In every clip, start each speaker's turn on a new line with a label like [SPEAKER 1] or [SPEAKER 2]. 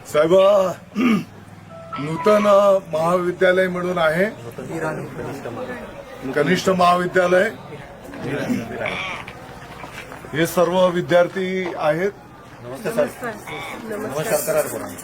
[SPEAKER 1] साहेब, नूतन महाविद्यालय म्हणून आहे, कनिष्ठ महाविद्यालय. हे सर्व विद्यार्थी आहेत.
[SPEAKER 2] नमस्कार करा.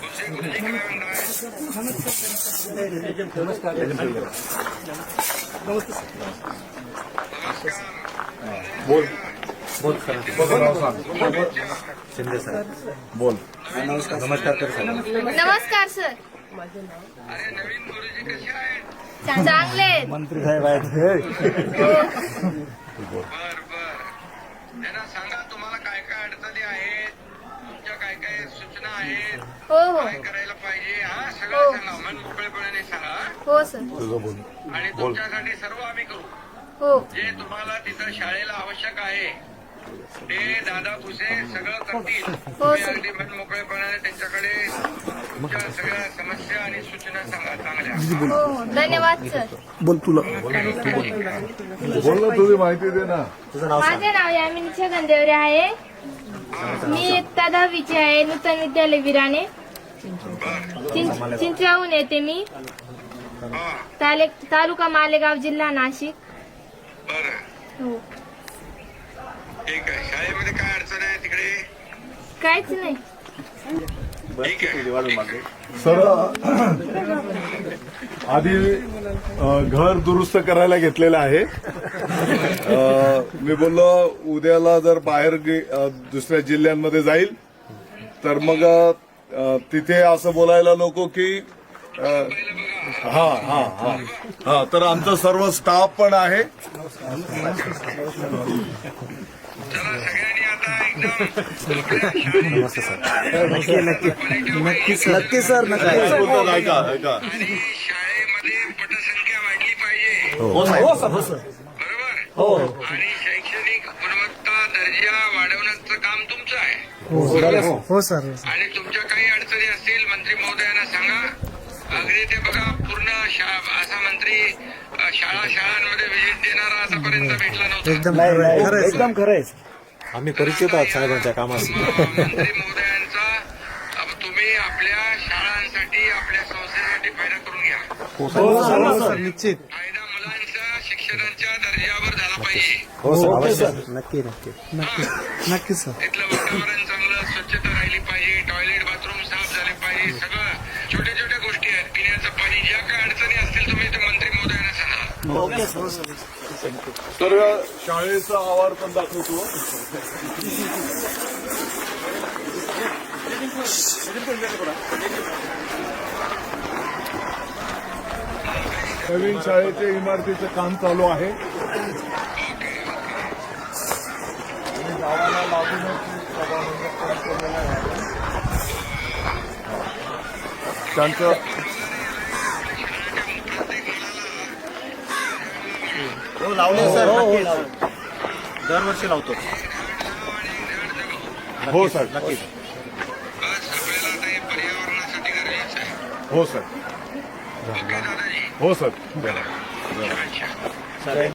[SPEAKER 1] बोल
[SPEAKER 2] बोल
[SPEAKER 1] तुझं नाव सांग.
[SPEAKER 2] शिंदे सर.
[SPEAKER 1] बोल.
[SPEAKER 2] नमस्कार कर सर.
[SPEAKER 3] नमस्कार सर. चांगले आहेत.
[SPEAKER 2] मंत्री साहेब आहेत.
[SPEAKER 4] त्यांना सांगा तुम्हाला काय काय अडचणी आहेत, तुमच्या काय काय सूचना आहेत,
[SPEAKER 3] हो हो
[SPEAKER 4] काय करायला पाहिजे, हा सगळं सांगा. मन मोकळेपणाने सांगा
[SPEAKER 3] हो सर.
[SPEAKER 1] तुझं बोल.
[SPEAKER 4] आणि तुमच्यासाठी सर्व आम्ही करू.
[SPEAKER 3] हो
[SPEAKER 4] जे तुम्हाला तिथं शाळेला आवश्यक आहे ते दादा भुसे सगळं करतील. तुम्ही
[SPEAKER 3] सर.
[SPEAKER 4] अगदी मन मोकळेपणाने त्यांच्याकडे तुमच्या सगळ्या समस्या आणि सूचना सांगा चांगल्या.
[SPEAKER 3] हो हो धन्यवाद सर.
[SPEAKER 1] बोल तुला बोल ना, तुझी माहिती दे ना.
[SPEAKER 2] तुझं नाव सांग.
[SPEAKER 3] माझे नाव यामिनी छगन देवरे आहे. मी इयत्ता 10वीची आहे. नूतन विद्यालय विराने चिंचवाहून येते मी. तालुका मालेगाव, जिल्हा नाशिक.
[SPEAKER 4] बरं,
[SPEAKER 3] हो
[SPEAKER 4] ठीक आहे. शाळेमध्ये काय अडचण आहे तिकडे?
[SPEAKER 3] काहीच नाही.
[SPEAKER 4] ठीक आहे.
[SPEAKER 1] सर, आधी घर दुरुस्त करायला घेतलेलं आहे. मी बोललो उद्याला जर बाहेर दुसऱ्या जिल्ह्यांमध्ये जाईल तर मग तिथे असं बोलायला नको की हा हा हा हा तर आमचा सर्व स्टाफ पण आहे.
[SPEAKER 4] चला सगळ्यांनी आता एकदम
[SPEAKER 2] नमस्ते सर. नक्की सर.
[SPEAKER 1] बोलतात, ऐका ऐका.
[SPEAKER 4] आणि शाळेमध्ये पटसंख्या वाढली पाहिजे.
[SPEAKER 2] हो.
[SPEAKER 4] बरोबर. आणि शैक्षणिक गुणवत्ता दर्जा वाढवण्याचं काम तुमचं आहे.
[SPEAKER 2] हो सर.
[SPEAKER 4] आणि तुमच्या काही अडचणी असतील मंत्री महोदयांना सांगा. अगदी ते बघा पूर्ण असा मंत्री शाळांमध्ये व्हिजिट देणारा आतापर्यंत भेटला नव्हता.
[SPEAKER 2] एकदम खरंय. आम्ही परिचित आहोत साहेबांच्या कामाशी.
[SPEAKER 4] मंत्री महोदयांचा तुम्ही आपल्या शाळांसाठी आपल्या संस्थेसाठी फायदा करून घ्या.
[SPEAKER 2] निश्चित.
[SPEAKER 4] फायदा मुलांच्या शिक्षणाच्या दर्जावर झाला पाहिजे.
[SPEAKER 2] हो सर. अवश्य. नक्की सर.
[SPEAKER 4] तिथलं वातावरण चांगलं, स्वच्छता राहिली पाहिजे, टॉयलेट बाथरूम साफ झाले पाहिजे. सगळं छोट्या छोट्या गोष्टी आहेत. पिण्याचं पाणी, ज्या काय अडचणी असतील तुम्ही ते मंत्री महोदयांना सांगा.
[SPEAKER 1] तर शाळेचा आवार पण दाखवतो. नवीन शाळेच्या इमारतीचं काम चालू आहे. आणि गावाला लागूनच सभामंडप पण केलेलं आहे. त्यांचं
[SPEAKER 2] लावले सर. दरवर्षी लावतो.
[SPEAKER 1] हो सर.
[SPEAKER 2] नक्की.
[SPEAKER 4] बस आपल्याला आता हे पर्यावरणासाठी गरजेचं आहे.
[SPEAKER 1] हो सर.
[SPEAKER 4] ओके दादाजी.
[SPEAKER 1] हो सर.
[SPEAKER 4] अच्छा.